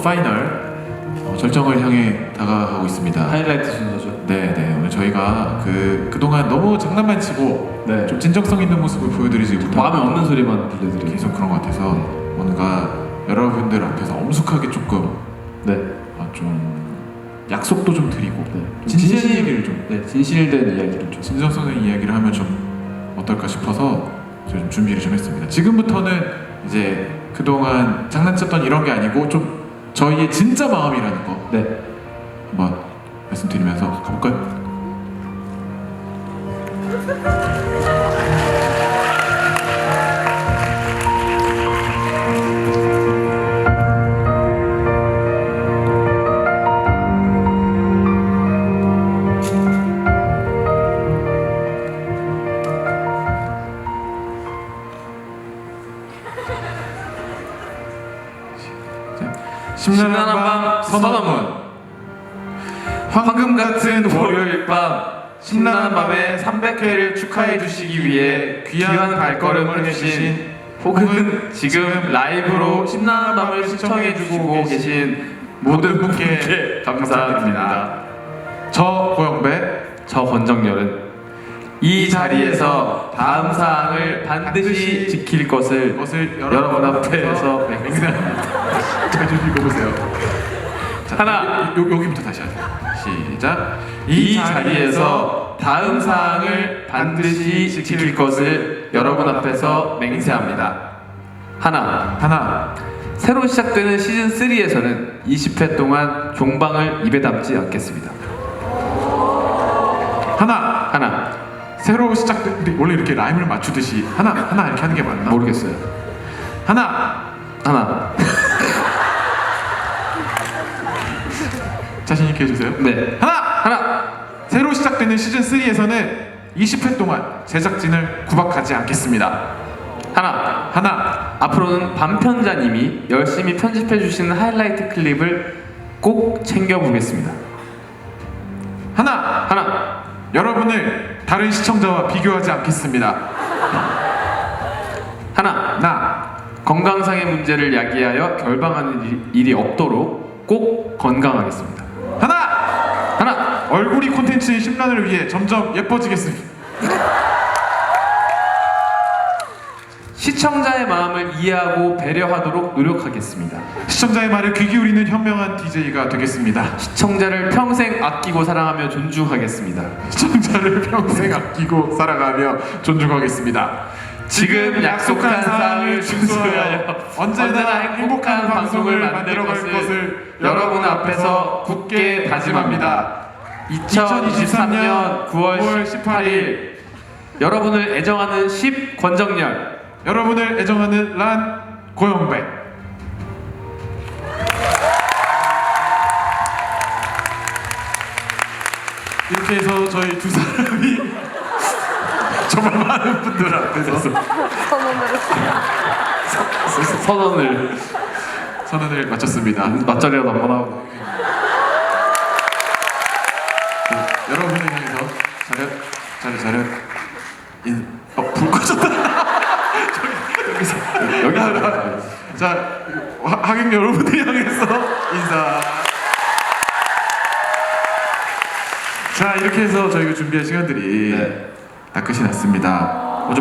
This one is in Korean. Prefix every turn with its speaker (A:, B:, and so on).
A: 파이널 절정을 향해 다가가고 있습니다.
B: 하이라이트 순서죠.
A: 네. 오늘 저희가 그동안 너무 장난만 치고
B: 네.
A: 좀 진정성 있는 모습을 보여드리지 못하고
B: 마음에 없는 소리만 들려드리고
A: 계속 그런 것 같아서 뭔가 여러분들 앞에서 엄숙하게 조금
B: 네.
A: 좀 약속도 좀 드리고
B: 진실
A: 얘기를 좀
B: 진실된 이야기를 좀
A: 진정성 있는 이야기를 하면 좀 어떨까 싶어서 저희 좀 준비를 좀 했습니다. 지금부터는 이제 그동안 장난쳤던 이런 게 아니고 좀 저희의 진짜 마음이라는 거 한번 말씀드리면서 가볼까요?
B: 심란한 밤 선언문. 황금 같은 월요일 밤 심란한 밤에 300회를 축하해 주시기 위해 귀한 발걸음을 해주신 혹은 지금 라이브로 심란한 밤을 시청해 주시고 계신 모든 분께 감사드립니다.
A: 저 고영배,
B: 저 권정열은 이 자리에서 다음 사항을 반드시 지킬 것을 여러분 앞에서 맹세합니다.
A: 잘 좀 읽어보세요. 자,
B: 하나.
A: 여기부터 다시 하세요. 시작.
B: 이 자리에서 다음 사항을 반드시 지킬 것을 여러분 앞에서 맹세합니다. 하나. 새로 시작되는 시즌 3에서는 20회 동안 종방을 입에 담지 않겠습니다. 하나.
A: 새로 시작된 원래 이렇게 라임을 맞추듯이 하나 이렇게 하는 게 맞나?
B: 모르겠어요.
A: 하나. 자신 있게 해주세요.
B: 네.
A: 하나. 새로 시작되는 시즌 3에서는 20회 동안 제작진을 구박하지 않겠습니다.
B: 하나. 앞으로는 반편자님이 열심히 편집해 주시는 하이라이트 클립을 꼭 챙겨보겠습니다.
A: 하나. 여러분을 다른 시청자와 비교하지 않겠습니다.
B: 하나. 건강상의 문제를 야기하여 결방하는 일이 없도록 꼭 건강하겠습니다. 하나.
A: 얼굴이 콘텐츠의 심란을 위해 점점 예뻐지겠습니다.
B: 시청자의 마음을 이해하고 배려하도록 노력하겠습니다.
A: 시청자의 말에 귀 기울이는 현명한 DJ가 되겠습니다.
B: 시청자를 평생 아끼고 사랑하며 존중하겠습니다.
A: 시청자를 평생 아끼고 사랑하며 존중하겠습니다.
B: 지금 약속한 사항을 준수하여 언제나 행복한 방송을 만들어갈 것을 여러분 앞에서 굳게 다짐합니다. 2023년 9월 18일 여러분을 애정하는 10 권정열,
A: 여러분을 애정하는 란 고영배. 이렇게 해서 저희 두 사람이 정말 많은 분들 앞에서 선언을 마쳤습니다.
B: 맞자리라도 한번 하고
A: 여러분을 향해서 차렷 불 꺼졌다. 여기서 자 하객 여러분을 향해서 인사. 자 이렇게 해서 저희가 준비한 시간들이 다 끝이 났습니다.